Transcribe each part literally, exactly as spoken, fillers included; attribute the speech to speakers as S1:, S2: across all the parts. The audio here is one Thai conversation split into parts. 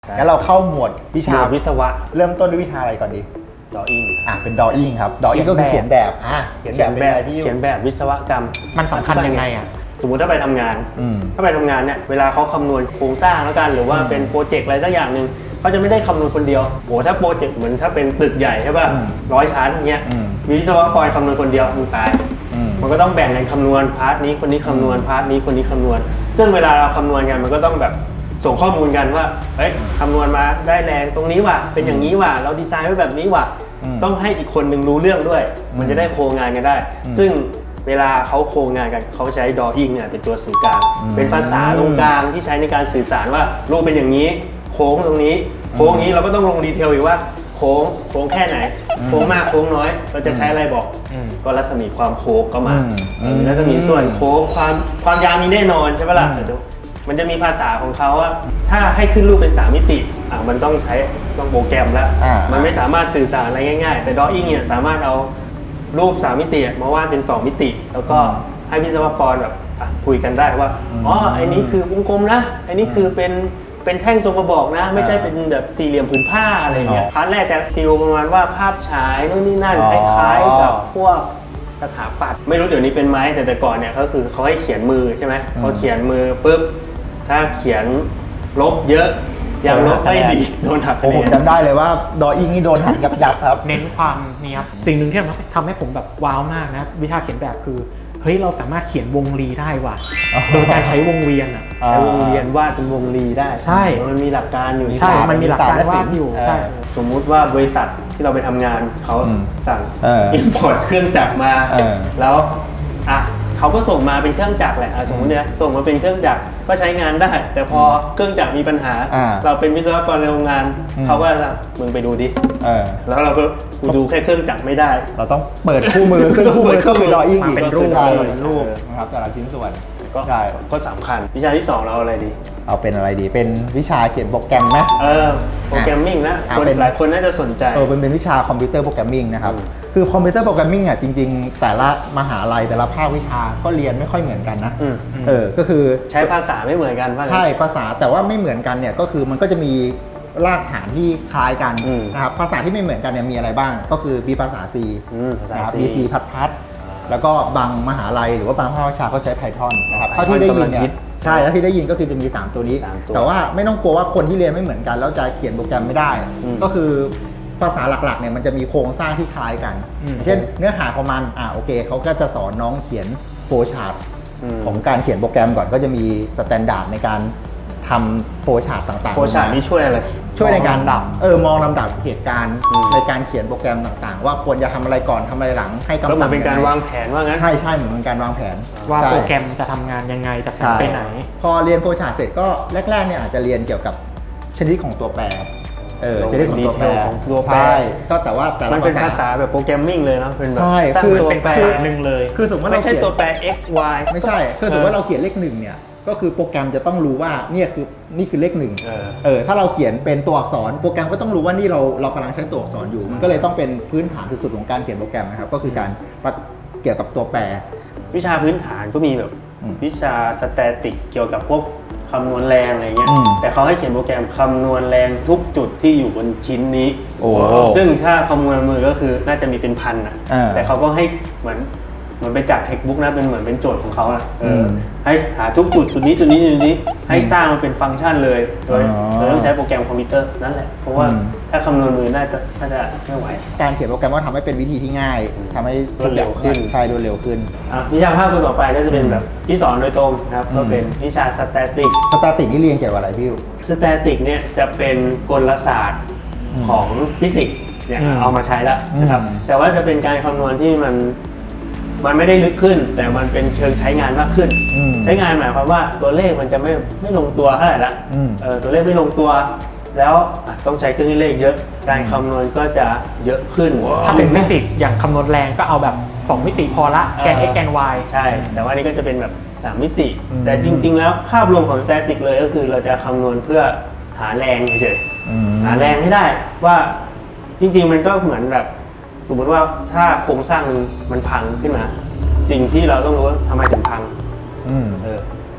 S1: งั้นเราเข้าหมวดวิชา
S2: วิศวะ
S1: เริ่มต้นด้วยวิชาอะไรก่อนดี
S2: ดออิ่ง
S1: อ่ะเป็นดออิ่งครับดออิ่งก็คือเขียนแบบอ่ะเขียนแบบเป็นอะไรพี่
S2: เขียนแบบวิศวกรรม
S3: มันสำคัญยังไงอ่ะ
S2: สมมุติถ้าไปทำงาน
S1: อืม
S2: ถ้าไปทำงานเนี่ยเวลาเขาคำนวณโครงสร้างแล้วกันหรือว่าเป็นโปรเจกต์อะไรสักอย่างหนึ่งเขาจะไม่ได้คำนวณคนเดียวโหถ้าโปรเจกต์เหมือนถ้าเป็นตึกใหญ่ใช่ป่ะร้อยชั้นอย่างเงี้ย
S1: อืม
S2: มีวิศวกรคำนวณคนเดียวมึงตาย
S1: อืม
S2: มันก็ต้องแบ่งกันคำนวณพาร์ทนี้คนนี้คำนวณพาร์ทนี้คนนี้คำนวณ ซึ่งเวลาเราคำนวณกันมันก็ต้องแบบส่งข้อมูลกันว่าเฮ้ยคำนวณมาได้แรงตรงนี้ว่ะเป็นอย่างนี้ว่ะเราดีไซน์ไว้แบบนี้ว่ะ
S1: อืม
S2: ต้องให้อีกคนหนึ่งรู้เรื่องด้วย มันจะได้โครงงานกันได้ ซึ่งเวลาเขาโครงงานกันเขาใช้ drawing เนี่ยเป็นตัวสื่อกลาง เป็นภาษาตรงกลางที่ใช้ในการสื่อสารว่ารูปเป็นอย่างนี้โค้งตรงนี้โค้งนี้เราก็ต้องลงดีเทลอีกว่าโค้งโค้งแค่ไหนโค้งมากโค้งน้อยเราจะใช้อะไรบอกก็รัศมีความโค้งก็มา
S1: อืม
S2: เออรัศมีส่วนโค้งความความยาวมีแน่นอนใช่ปะล่ะเดี๋ยวมันจะมีภาษาของเขาว่าถ้าให้ขึ้นรูปเป็นสามมิติอ่ะมันต้องใช้ต้องโปรแกรมแล้ว
S1: อ่ามั
S2: มันไม่สามารถสื่อสารอะไรง่ายๆ แต่ drawing เนี่ยสามารถเอารูปสามมิติมาวาดเป็นสองมิติ แล้วก็ให้วิศวกรแบบอ่ะคุยกันได้ว่าอ๋อไอ้นี้คือวงกลมนะไอ้นี้คือเป็นเป็นแท่งทรงกระบอกนะ ไม่ใช่เป็นแบบสี่เหลี่ยมผืนผ้าอะไรเงี้ยพาร์ทแรกจะฟีลประมาณว่าภาพฉายนู่นนี่นั่นคล้ายๆกับพวกสถาปัตย์ไม่รู้เดี๋ยวนี้เป็นไหมแต่แต่ก่อนเนี่ยก็คือเขาให้เขียนมือใช่ไหมพอเขียนมือปุ๊บถ้าเขียนลบเยอะยังลบไม่ดีโดนหัก
S1: โอ้
S2: คะ
S1: ผ
S2: แน
S1: ม
S2: น
S1: จำได้เลยว่าดออิ่งนี่โดนหักยับยับครับ
S3: เน้นความเนี้ยบสิ่งหนึ่งที่ทำให้ผมแบบว้าวมากนะวิชาเขียนแบบคือเฮ้ยเราสามารถเขียนวงรีได้ว่ะ
S1: อ๋อ
S3: โดยการใช้วงเวียนอ่ะ
S2: ใช้วงเวียนวาดเป็นวงรีได้
S3: ใช่
S2: มันมีหลักการอยู่
S3: ใช่มันมีหลักการวาดอยู่
S1: เออ
S3: ใช่
S2: สมมุติว่าบริษัทที่เราไปทำงานเขา
S1: อืม
S2: สั่ง
S1: เออ
S2: อินพอร์ตเครื่องจักรมา
S1: เออ
S2: แล้วอ่ะเขาก็ส่งมาเป็นเครื่องจักรแหละอ่ะสมมติเนี่ยส่งมาเป็นเครื่องจักรก็ใช้งานได้ แต่พอเครื่องจักรมีปัญหา
S1: อ่า
S2: เราเป็นวิศวกรในโรงงาน
S1: อืม
S2: เขาก็จะสั่งมึงไปดูดิ
S1: เออ
S2: แล้วเราก็กูดูแค่เครื่องจักรไม่ได้
S1: เราต้องเปิดคู่มือซึ่งคู่มือก็คือดออิ่งอีก
S3: มาเป็นรูป
S1: ใช่
S3: เลย
S1: เป็นรูปนะครับแต่ละชิ้นส่วน
S2: ก็
S1: ใช่
S2: ก็สำคัญวิชาที่สองเราอะไรดี
S1: เอาเป็นอะไรดีเป็นวิชาเขียนโปรแกรมไหม
S2: เออโปรแกรมมิ่งนะ
S1: อ่ะ
S2: คน
S1: เป็น
S2: หลายคนน่าจะสนใจ
S1: เออเป็นเป็นวิชาคอมพิวเตอร์โปรแกรมมิ่งนะครับ
S2: อืม
S1: คือคอมพิวเตอร์โปรแกรมมิ่งอ่ะจริงๆ แต่ละมหาลัยแต่ละภาควิชาก็เรียนไม่ค่อยเหมือนกันนะ
S2: อืม
S1: เออก็คือ
S2: ใช้ภาษาไม่เหมือนกันว่างั้น
S1: ใช่ภาษาแต่ว่าไม่เหมือนกันเนี่ยก็คือมันก็จะมีรากฐานที่คล้ายกัน
S2: อืม
S1: นะครับภาษาที่ไม่เหมือนกันเนี่ยมีอะไรบ้าง ก็คือมีภาษา C
S2: อืมภาษา
S1: นะครับ
S2: C
S1: มี C พัดพัดแล้วก็บางมหาลัยหรือว่าบางภาควิชาก็ใช้ Python นะครับ
S2: Python
S1: เท่าที่ได้ยิน
S2: กำลัง
S1: เนี่
S2: ฮิ
S1: ย
S2: ต
S1: ใช่แล้วที่ได้ยินก็คือจะมีสามตัวนี้
S2: สามตัว
S1: แต่ว่าไม่ต้องกลัวว่าคนที่เรียนไม่เหมือนกันแล้วจะเขียนโปรแกรมไม่ได้
S2: อืม
S1: ก็คือภาษาหลักๆเนี่ยมันจะมีโครงสร้างที่คล้ายกัน
S3: อืม
S1: เช่นเนื้อหาของมันอ่าโอเคเขาก็จะสอนน้องเขียนโฟล์ชาร์ต
S2: อืม
S1: ของการเขียนโปรแกรมก่อนก็จะมีสแตนดาร์ดในการทำโฟล์ชาร์ตต่างๆ
S2: โฟร์ชาร์ตนี่ช่วยอะไร
S1: ช่วยในการ
S3: มองลำดับ
S1: เออมองลำดับเหตุการณ์
S2: อืม
S1: ในการเขียนโปรแกรมต่างๆ ว่าควรจะทำอะไรก่อนทำอะไรหลังให้คำ
S2: ก็
S1: สั่ง
S2: เหมือนเป็นการ
S1: ยัไ
S2: วางแผนว่างั้น
S1: ใช่ใช่เหมือนเป็นการวางแผน
S3: ว่า
S1: ใช่
S3: โปรแกรมจะทำงานยังไงจะ
S1: ใช่
S3: ไปไหน
S1: พอเรียนโฟล์ชาร์ตเสร็จก็แรกๆเนี่ยอาจจะเรียนเกี่ยวกับชนิดของตัวแปรเออ
S2: ลง
S1: ชนิดของตัวแปร
S2: ดีเทลของตัวแปร
S1: ใช่ก็แต่ว่าแต่ละ
S2: มันเป็น
S1: ภา
S2: ภา
S1: ษา
S2: ษาแบบโปรแกรมมิ่งเลยเนาะเป็นแบบ
S1: ใช่
S2: ตั้ง
S1: คือ
S2: ตัว
S3: เป็น
S2: แปร
S3: ภาษาหนึ่งเลย
S1: คือสมมติว่า
S2: ไม่
S1: เรา
S2: ใช่
S1: เขียน
S2: ตัวแปร x y
S1: ไม่ใช่คือสมมติว่าเราเขียนเลขหนึ่งเนี่ยก็คือโปรแกรมจะต้องรู้ว่าเนี่ยคือนี่คือเลขหนึ่ง
S2: เออ
S1: เออถ้าเราเขียนเป็นตัวอักษรโปรแกรมก็ต้องรู้ว่านี่เราเรากำลังใช้ตัวอักษรอยู่ มันก็เลยต้องเป็นพื้นฐานสุดๆของการเขียนโปรแกรมนะครับก็คือการเกี่ยวกับตัวแปร
S2: วิชาพื้นฐานก็มีแบบ
S1: อืม
S2: วิชาสแตติกเกี่ยวกับพวกคำนวณแรงอะไรเงี้ย
S1: อืม
S2: แต่เขาให้เขียนโปรแกรมคำนวณแรงทุกจุดที่อยู่บนชิ้นนี้
S1: โอ้
S2: ซึ่งถ้าคำนวณมือก็คือน่าจะมีเป็นพันอ่ะ
S1: อ่า
S2: แต่เขาก็ให้เหมือนเหมือนไปจากเทคบุ๊กนะเป็นเหมือนเป็นโจทย์ของเขาอะเอออ
S1: ม
S2: ให้หาทุกจุดจุดนี้จุดนี้จุดนี้ให้สร้างมันเป็นฟังก์ชันเลยโดย
S1: อ๋อ
S2: โดยต้องใช้โปรแกรมคอมพิวเตอร์นั่นแหละเพราะว่า
S1: อืม
S2: ถ้าคำนวณมือน่าจะน่าจะไม่ไหว
S1: การเขียนโปรแกรมก็ทำให้เป็นวิธีที่ง่ายทำให้
S2: รวดเร็วขึ้น
S1: ใช่รวดเร็วขึ้น
S2: อ่ะวิชาภาคต่อไปก็จะเป็นแบบที่สอนโดยตรงนะครับ
S1: อืม
S2: ก็เป็นวิชาสแตติก
S1: สแตติกนี่เรียนเกี่ยวกับอะไรพี่วิว
S2: สแตติกเนี่ยจะเป็นกลศาสตร์ของฟิสิกส์เนี่ย
S3: อืม
S2: เอามาใช้แล้วนะครับ
S1: อืม
S2: แต่ว่าจะเป็นการคำนวณที่มันมันไม่ได้ลึกขึ้น แต่มันเป็นเชิงใช้งานมากขึ้น
S1: อืม
S2: ใช้งานหมายความว่าตัวเลขมันจะไม่ไม่ลงตัวเท่าไหร่ละ
S1: อืม
S2: เออตัวเลขไม่ลงตัว แล้วอ่ะต้องใช้เครื่องคิดเลขเยอะ การคำนวณก็จะเยอะขึ้น
S3: ถ้าเป็นฟิสิกส์อย่างคำนวณแรงก็เอาแบบสองมิติพอละแกน x แกน y
S2: ใช่ แต่ว่านี่ก็จะเป็นแบบสามมิติ
S1: อืม
S2: แต่จริง ๆ แล้วภาพรวมของสแตติกเลยก็คือเราจะคำนวณเพื่อหาแรงเฉย
S1: อืม
S2: ๆหาแรงให้ได้ว่าจริง ๆ มันก็เหมือนแบบสมมติว่าถ้าโครงสร้างมันพังขึ้นมา สิ่งที่เราต้องรู้ว่าทำไมถึงพัง
S1: อืม
S2: เออ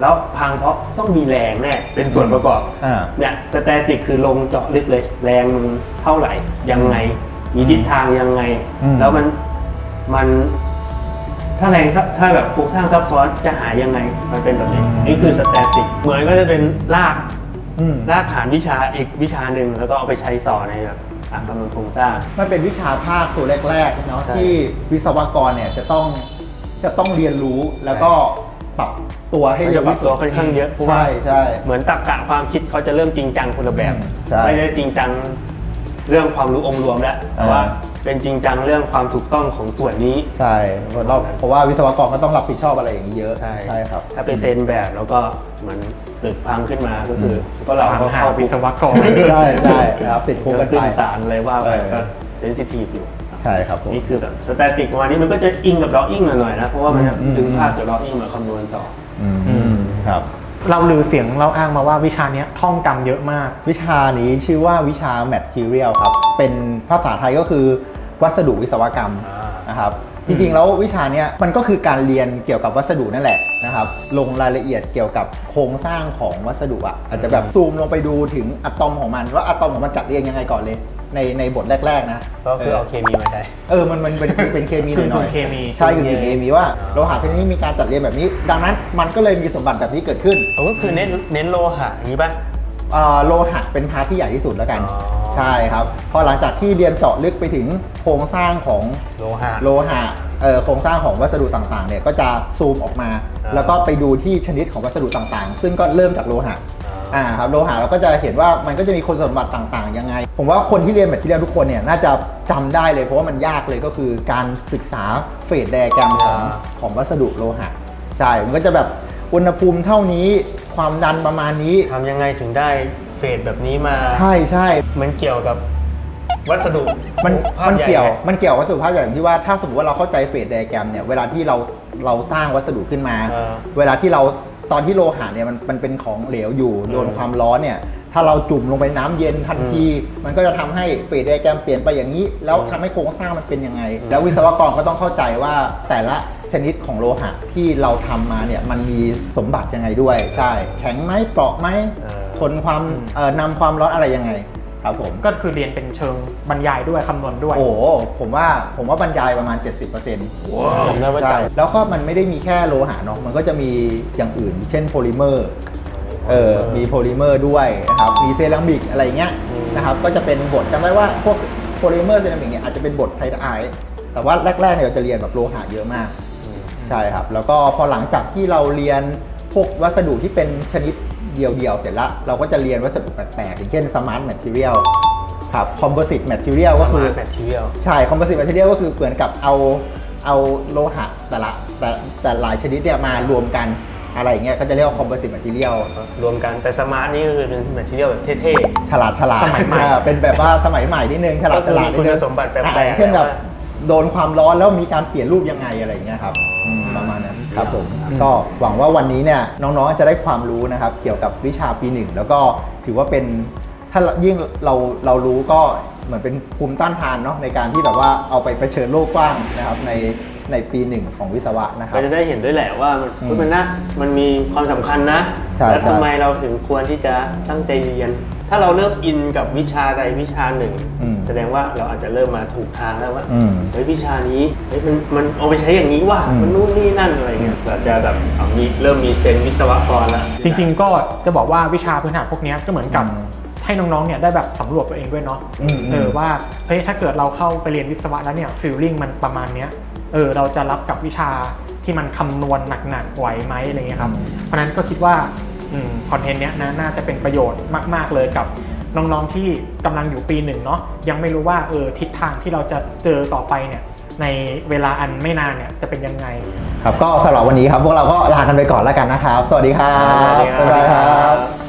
S2: แล้วพังเพราะต้องมีแรงแน่เป็นส่วนประกอบ
S1: อ่า
S2: เนี่ยสแตติกคือลงเจาะลึกเลยแรงมันเท่าไหร่ยังไงมีทิศทางยังไง
S1: อืม
S2: แล้วมันมันถ้าแรงถ้าถ้าแบบโครงสร้างซับซ้อนจะหายังไงมันเป็นแบบนี้นี่คือสแตติกเหมือนก็จะเป็นราก
S1: อืม
S2: รากฐานวิชาอีกวิชาหนึ่งแล้วก็เอาไปใช้ต่อในแบบอ่ะคำนวณโครงสร้าง
S1: มันเป็นวิชาภาคตัวแรกๆเนาะ
S2: ใช่
S1: ที่วิศวกรเนี่ยจะต้องจะต้องเรียนรู้แล้วก็ปรับตัวให้
S2: มัน
S1: เร็
S2: จะ
S1: ว
S2: ปรับ
S1: ที่สุด
S2: ตัวค่อนข้างเยอะเพราะว่า
S1: ใช่ใช่
S2: เหมือนตรรกะความคิดเขาจะเริ่มจริงจังคนละแบบ
S1: อืมใช่
S2: ไม่ได้จริงจังเรื่องความรู้องค์รวมแล้วแต่ว่า
S1: อ่า
S2: เป็นจริงจังเรื่องความถูกต้องของส่วนนี้
S1: ใช่เพราะเราเพราะว่าวิศวกรก็ต้องรับผิดชอบอะไรอย่างนี้เยอะ
S2: ใช่
S1: ใช่ครับ
S2: ถ้าไปเซ็นแบบแล้วก็เหมือนตึกพังขึ้นมาก็คืออก็เรา
S3: ถาม
S2: ก็
S3: หา
S2: เข้า
S3: วิศวกร
S1: ใช่ใช่ครับติดคุก
S2: ก็
S1: กัน
S2: ขึ้
S1: ไป
S2: นศาลเลยว่าไป
S1: เออ
S2: ก็เซนซิทีฟอยู่
S1: ใช่ครับผม
S2: นี่คือแบบสแตติกประมาณนี้มันก็จะอิงกับดอ w อิงหน่อยๆนะเพราะว่ามันจะ
S1: อืม
S2: ดึงภาพจากดอ w อิงมาคำนวณต่อ
S1: อื
S3: อื
S1: ม
S3: ม
S1: ครับ
S3: เราลือเสียงเราอ้างมาว่าวิชาเนี้ยท่องจำเยอะมาก
S1: วิชานี้ชื่อว่าวิชา material ครับ เป็นภาษาไทยก็คือวัสดุวิศวกรรม
S2: อ่าน
S1: นะครับ จริงๆแล้ววิชาเนี้ยมันก็คือการเรียนเกี่ยวกับวัสดุนั่นแหละนะครับ ลงรายละเอียดเกี่ยวกับโครงสร้างของวัสดุอ่ะ อาจจะแบบซูมลงไปดูถึงอะตอมของมันว่าอะตอมของมันจัดเรียงยังไงก่อนเลย ในในบทแรกๆนะ
S2: ก็คือเอาเคมีมาใช้
S1: เออ มันมันเป็นเป็นเคมีหน่อยหน่อย
S3: เคมี
S1: ใช่คือเคมีว่าโลหะชนิดนี้มีการจัดเรียงแบบนี้ ดังนั้นมันก็เลยมีสมบัติแบบนี้เกิดขึ้น
S2: ก็คือเน้นเน้นโลหะอย่างนี้ป่ะ
S1: เอ่อโลหะเป็นพาร์ทที่ใหญ่ที่สุดแล้วกัน
S2: อ๋อ
S1: ใช่ครับพอหลังจากที่เรียนเจาะลึกไปถึงโครงสร้างของ
S2: โลหะ
S1: โลหะเอ่อโครงสร้างของวัสดุต่างๆเนี่ยก็จะซูมออกมา
S2: อ่า
S1: แล้วก็ไปดูที่ชนิดของวัสดุต่างๆ ซึ่งก็เริ่มจากโลหะ
S2: อ่า
S1: อ่าครับโลหะเราก็จะเห็นว่ามันก็จะมีคุณสมบัติต่างๆยังไง ผมว่าคนที่เรียนแบบที่เรียนทุกคนเนี่ยน่าจะจำได้เลยเพราะว่ามันยากเลยก็คือการศึกษาเฟสไดอะแกรมของของวัสดุโลหะใช่มันก็จะแบบอุณหภูมิเท่านี้ความดันประมาณนี้
S2: ทำยังไงถึงได้เฟสแบบนี้มา
S1: ใช่ใช่
S2: มันเกี่ยวกับวัสดุ
S1: มัน
S2: ภาพ
S1: มัน
S2: ใหญ่
S1: เกี่ยว
S2: ไง
S1: มันเกี่ยววัสดุภาพใหญ่อย่างที่ว่าถ้าสมมติว่าเราเข้าใจเฟสไดอะแกรมเนี่ยเวลาที่เราเราสร้างวัสดุขึ้นมา
S2: เออ
S1: เวลาที่เราตอนที่โลหะเนี่ยมันมันเป็นของเหลวอยู่โดนความร้อนเนี่ยถ้าเราจุ่มลงไปน้ำเย็นทันที มันก็จะทำให้เฟสไดอะแกรมเปลี่ยนไปอย่างนี้ แล้วทำให้โครงสร้างมันเป็นยังไง แล้ววิศวกรก็ต้องเข้าใจว่าแต่ละชนิดของโลหะที่เราทำมาเนี่ยมันมีสมบัติยังไงด้วยใช่แข็งไหมเปราะไหม
S2: เออ
S1: ทนความเอ่อนำความร้อนอะไรยังไงครับผม
S3: ก็คือเรียนเป็นเชิงบรรยายด้วยคำนวณด้วย
S1: โอ้โหผมว่าผมว่าบรรยายประมาณ เจ็ดสิบเปอร์เซ็นต์
S2: ผมได้ว่า
S1: ใช่
S2: จับ
S1: แล้วก็มันไม่ได้มีแค่โลหะเนาะมันก็จะมีอย่างอื่น เช่นโพลิเมอร์เออมีโพลิเมอร์ด้วยนะครับมีเซรามิกอะไรเงี้ยนะครับก็จะเป็นบทจำได้ว่าพวกโพลิเมอร์เซรามิกเนี่ยอาจจะเป็นบทไทไอแต่ว่าแรกๆเนี่ยเราจะเรียนแบบโลหะเยอะมากใช่ครับแล้วก็พอหลังจากที่เราเรียนพวกวัสดุที่เป็นชนิดเดียวๆเสร็จแล้วเราก็จะเรียนวัสดุแปลกๆอย่างเช่น smart material ครับ composite material ก็คือ
S2: Smart material
S1: ใช่ composite material ก็คือเหมือนกับเอาเอาโลหะแต่ละแต่แต่หลายชนิดเนี่ยมารวมกันอะไรอย่างเงี้ยก็จะเรียกว่า composite material
S2: รวมกันแต่สมาร์ทนี่ก็คือเป็นแมทเทียลแบบเท่
S1: ฉลาดฉลาด
S3: สมัยใหม่
S1: อ่าเป็นแบบว่าสมัยใหม่นิดนึงฉลาด
S2: ก็คื
S1: ฉ
S2: อ
S1: ลาด
S2: มี
S1: นิด
S2: คุณ
S1: นึง
S2: สมบัติแปลกๆ
S1: อ่าเช่นแบบ
S2: แบบว่า
S1: โดนความร้อนแล้วมีการเปลี่ยนรูปยังไงอะไรอย่างเงี้ยครับอืมประมาณนั้นครับผมก็หวังว่าวันนี้เนี่ยน้องๆจะได้ความรู้นะครับเกี่ยวกับวิชาปีหนึ่งแล้วก็ถือว่าเป็นถ้ายิ่งเราเรารู้ก็เหมือนเป็นภูมิต้านทานเนาะในการที่แบบว่าเอาไปเผชิญโลกกว้างนะครับในในปีหนึ่งของวิศวะนะครั
S2: ก็
S1: บ
S2: จะได้เห็นด้วยแหละว่ามัน
S1: อืม
S2: เฮ้ยมันนะมันมีความสำคัญนะ
S1: ใช่
S2: แล้ว
S1: ใช่
S2: ทำไมเราถึงควรที่จะตั้งใจเรียน ถ้าเราเริ่มอินกับวิชาใดวิชาหนึ่ง
S1: อืม
S2: แสดงว่าเราอาจจะเริ่มมาถูกทางแล้วว่า
S1: อืม
S2: เฮ้ยวิชานี้เฮ้ยมันมันเอาไปใช้อย่างนี้ว่ะ
S1: อืม
S2: มันนู่นนี่นั่นอะไรเงี้ยเราจะแบบเอามีเริ่มมีเซนส์วิศวกรแล้ว
S3: จริงๆก็จะบอกว่าวิชาพื้นฐานพวกเนี้ยก็เหมือนกับ
S1: อืม
S3: ให้น้องๆเนี่ยได้แบบสำรวจตัวเองด้วยเนาะ
S1: อืม
S3: เออว่าเฮ้ยถ้าเกิดเราเข้าไปเรียนวิศวะแล้วเนี่ยฟีลลิ่งมันประมาณเนี้ยเออเราจะรับกับวิชาที่มันคำนวณหนักๆไหวไหมอะไรเงี้ยครับ
S1: อืม
S3: เพราะฉะนั้นก็คิดว่าคอนเทนต์เนี้ยนะน่าจะเป็นประโยชน์มากๆเลยกับน้องๆที่กำลังอยู่ปีหนึ่งเนาะยังไม่รู้ว่าเออทิศทางที่เราจะเจอต่อไปเนี่ยในเวลาอันไม่นานเนี่ยจะเป็นยังไง
S1: ครับก็สำหรับวันนี้ครับพวกเราก็ลากันไปก่อนแล้วกันนะครับ สวัสดีครับ
S2: สวัสดีครับ
S1: บ๊ายบายครับ